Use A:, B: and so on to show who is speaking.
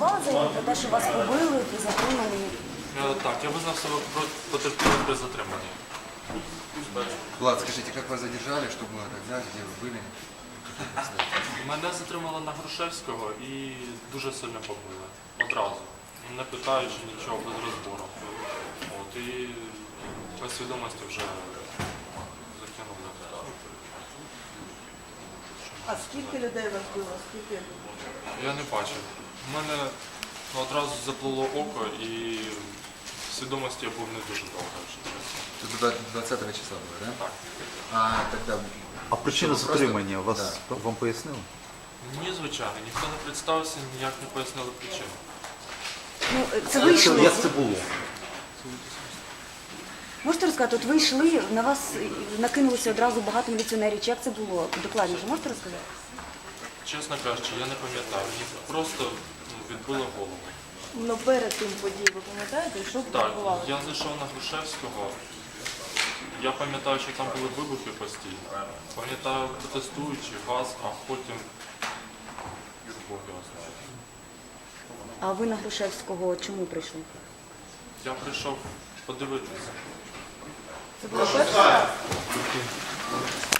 A: подавали заяву про те, що вас побили і затримали?
B: Так, я визнав себе потерпілим при затриманні.
C: Влад, скажите, как вас задержали, что было тогда, где вы были?
B: Мене затримали на Грушевського і дуже сильно побили. Одразу. Не питаючи нічого, без розбору. От, і без свідомості вже закинули.
D: А скільки людей вас було? Скільки?
B: Я не бачив. У мене одразу заплило око і в свідомості я був не дуже довго.
C: Это 20 числа было, да?
B: Так.
C: А тогда...
E: А причину
C: Просто-
E: затримання
C: Да.
E: вам пояснили?
B: Ні, звичайно, ніхто не представився, ніяк не пояснили причину.
A: Ну, це ви йшли?
E: Як це було?
A: Можете розказати, от ви йшли, на вас накинулося одразу багато міліціонерів. Чи як це було? Докладніше, можете розказати?
B: Чесно кажучи, я не пам'ятаю. Мені просто відбило голову.
D: Ну перед тим подій, ви пам'ятаєте, що
B: Так,
D: відбувалося?
B: я зайшов на Грушевського. Я пам'ятаю, що там були вибухи постійно. Пам'ятаю протестуючи, газ, а потім Бог його знає.
A: А ви на Грушевського чому прийшли?
B: Я прийшов подивитися.
D: Це було перший раз?